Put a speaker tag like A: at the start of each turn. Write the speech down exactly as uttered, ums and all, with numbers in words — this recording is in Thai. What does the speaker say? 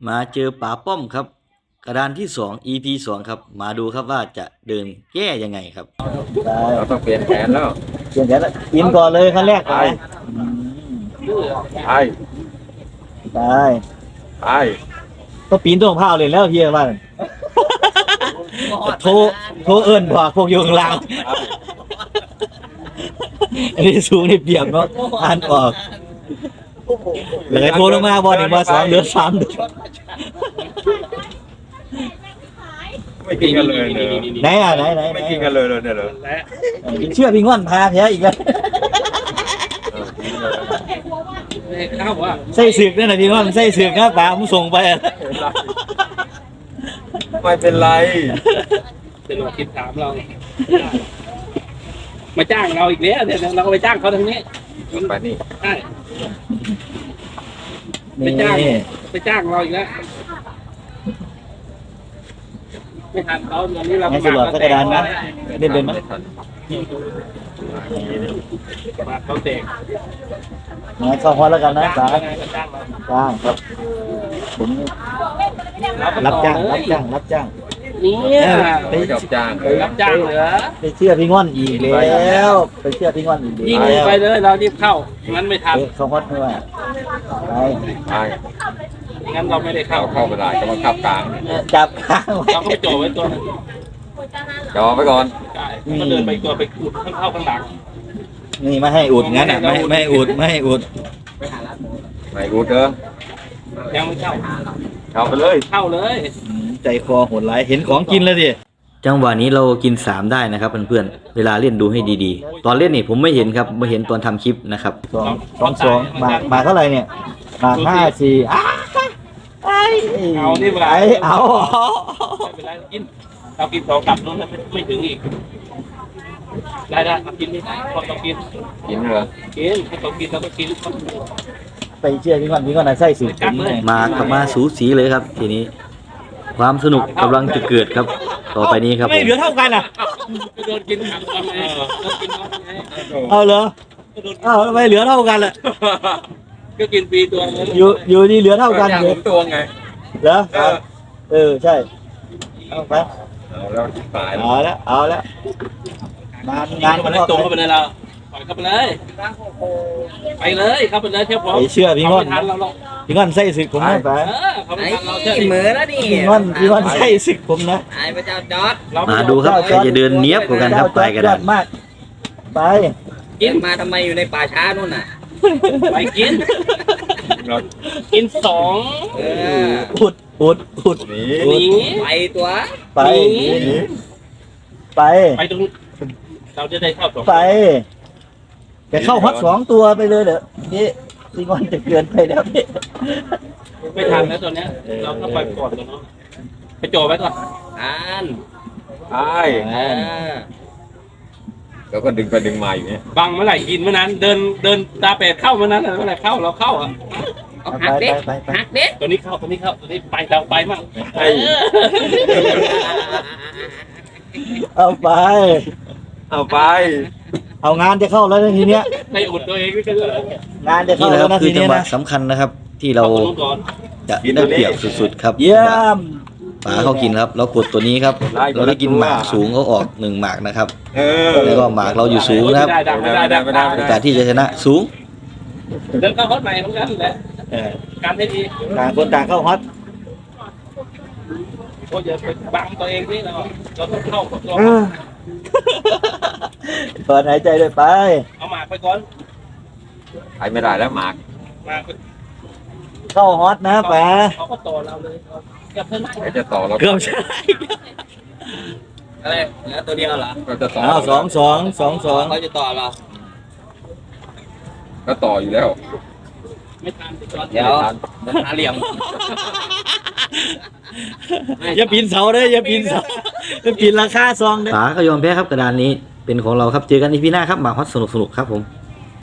A: มาเจอป๋าป้อมครับ กระดานที่สอง อี พี สองครับมาดูครับว่าจะเดินแก้ยังไงครับ
B: เราต้องเปลี่ยนแผนแล้ว
A: เปลี่ยนแผนแล้วอินก่อนเลยขั้นแรกไป
B: ไป
A: ไป
B: ไป
A: ก็ปีนต้นมะพร้าวเลยแล้วเฮียว่าโทรโทรเอิญบอกพวกโยงลาวอันนี้สูงนี่เปียกเนาะอ่านออกเลยโทรลงมาบอลหนึ่งมาสองเหลือสามเดือน
B: ไม่กินกันเลย
A: ไหนอ่ะไหนไหน
B: ไม่กินกันเลยเลยเนี่ยเหรอ
A: เชื่อพี่ง่อนพาแพ้อีกแล้วใส่สึกนั่นแหละพี่ง่อนใส่สึกนะป๋าผมส่งไป
B: ไม่เป็นไร
C: เป็นเราคิดถามเรามาจ้างเราอีกแล้วเนี่ยเราก็ไปจ้างเขาทางนี้
B: ไปนี่
C: ใช่ไปจ้างไปจ้างเราอีกแล้วไม่ทันเขาตอนนี้เรา
A: ไม่สลดกระดานนะเล่นเป็นไหม
C: มาเขาเตะ
A: มาเข้าฮอตแล้วกันนะจ๋าจ้างครับผมรับจ้างรับจ้างรับจ้าง
C: นี่
B: ไปจับจ้าง
C: รับจ้างเหรอ
A: ไปเชื่อพี่ง่อนอีกแล้วไปเชื่อพี่ง่อนอีก
C: ยิงไปเลยเรารีบเข้างั้นไม่ทัน
A: เข้าฮอตไม่ว่าไป
B: ไป
C: งั้นเราไม่ได้เข้า
B: เข้าไม่ได้ก็มาขับกลาง
A: จับข้าง
C: เราก็โจไว้ตัวนึง
B: จอไปก่อน
C: ก็เดินไปตัวไปอุดข้างเข้าข้างหลัง
A: นี่ไม่ให้อุดงั้นอ่ะไม่ไม่อุดไม่ให้อุด
B: ไม่อุดเด้อ
C: ยังไม่เข้า
B: เข้าไปเลย
C: เข้าเลย
A: ใจคอโหดร้ายเห็นของกินแล้วดิจังหวะนี้เรากินสามได้นะครับเพื่อนๆเวลาเล่นดูให้ดีๆตอนเล่นนี่ผมไม่เห็นครับไม่เห็นตอนทำคลิปนะครับสองสองสองมามาเท่าไหร่เนี่ยมาห้าสี่อ้าไอ
C: เอานี่ไป
A: เอา
C: ไม่เป็นไรกินเรากินสองกลับนู้นไม่ถึงอีกได้ได้กินไม่ได้พอต้องกิน
B: กินเหรอ
C: กินให้เขากินเราก็กิน
A: ไปเชื่อพี่ก่อนพี่ก่อนนะไส้สูตรมากับมาสูสีเลยครับทีนี้ความสนุกกำลังจะเกิดครับต่อไปนี้ครับ
C: ไม่เหลือเท่ากันอ่ะโดนกินทำไง
A: เอาเหรอเอาทำไมเหลือเท่ากันล่ะ
C: ก็กินฟรีตัว
A: อยู่อยู่นี่เหลือเท่ากัน
B: เลยตัวไง
A: เหรอเออใช่เอาไป
B: เอาแล้วตาย
A: เอาแล้วเอาแล้วงานงาน
C: มันตรงเข้าไปเลยเราปล่อยเข้าไปเลยไปเลยเข้าไปเลยเที่ยวพร้อม
A: เชื่อพี่ง่อนพี่ง่อนไส้ศึกผมนะไป
C: เหมือนแล้วนี่
A: พี่ง่อนพี่ง่อนไส้ศึกผมนะ
C: ไอ้พระเจ้าจอด
A: มาดูครับใครจะเดินเนี้ยบกว่ากันครับไปกันได้มากไป
C: กินมาทำไมอยู่ในป่าช้านู่นน่ะไปกินกินสอง
A: อุดอุดอุด
C: นี่ไปตัว
A: ไปไป
C: ไปตรงเราจะได้เข้าสอง
A: ไปจะเข้าฮอตสองตัวไปเลยเด้อนี่พี่ง่อนจะเกินไปแล้วพี่
C: ไม่ทันแล้วตัวเนี้ยเราต้องไปก่อนตัวน้องไปโจไว้ก่อนอ่าน
B: ใช่แล้วก็ดึงไปดึงมาอยู่เนี่ย
C: บังเมื่อไหร่กินเมื่อนั้นเดินเดินตาเป็ดเข้าเมื่อนั้นเมื่อไหร่เข้าเราเข้าอ่ะหักเด็กหักเด็กตัวนี้เข้าตัวนี้เข้าตัวนี้ไปเราไปมั่ง
A: เอาไป
B: เอาไป
A: เอางานจะเข้าแล้วทีเนี้ย
C: ในอุดตัวเองไม่ใช่
A: งานจะเข้าแล้วนะทีนี้นะสำคัญนะครับที่เราจะได้เปรียบสุดๆครับเยี่ยมป๋าเขากินครับเรากดตัวนี้ครับเราได้กินหมากสูงเขาออกหนึ่งหมากนะครับแล้วก็หมากเราอยู่สูงนะครับโอกาสที่จะชนะสูง
C: เดินเข้าฮอตใหม่เหมือนกันแหละการให้ดี
A: ต่างคนต่างเข้าฮอต
C: ก็อย่าไปบังตัวเองนี่เราเราต้องเข้ากับตัว
A: ถอนหายใจเลยไป
C: เอาหมากไปก่อน
B: ไปไม่ได้แล้วหมาก
A: เข้าฮอตนะป๋า
C: เขาก็ต่อเราเลยเกือบเพิ่ง
B: จะต่อเรา
A: เกือบใช่
C: อะไรแล้วตัวเดียวเหรอ
B: ก็จะต่อ
A: สองสองสองสอง
C: เขาจะต่อเรา
B: ก็ต่ออยู่แล้ว
C: ไม่ทันเดี๋ยวหาเหลี่ยม
A: อย่าปีนเสาเลยอย่าปีนเสาอย่าปีนราคาซองเลยป๋าก็ยอมแพ้ครับกระดานนี้เป็นของเราครับเจอกันอีพีหน้าครับหมากฮอตสนุกสนุกครับผม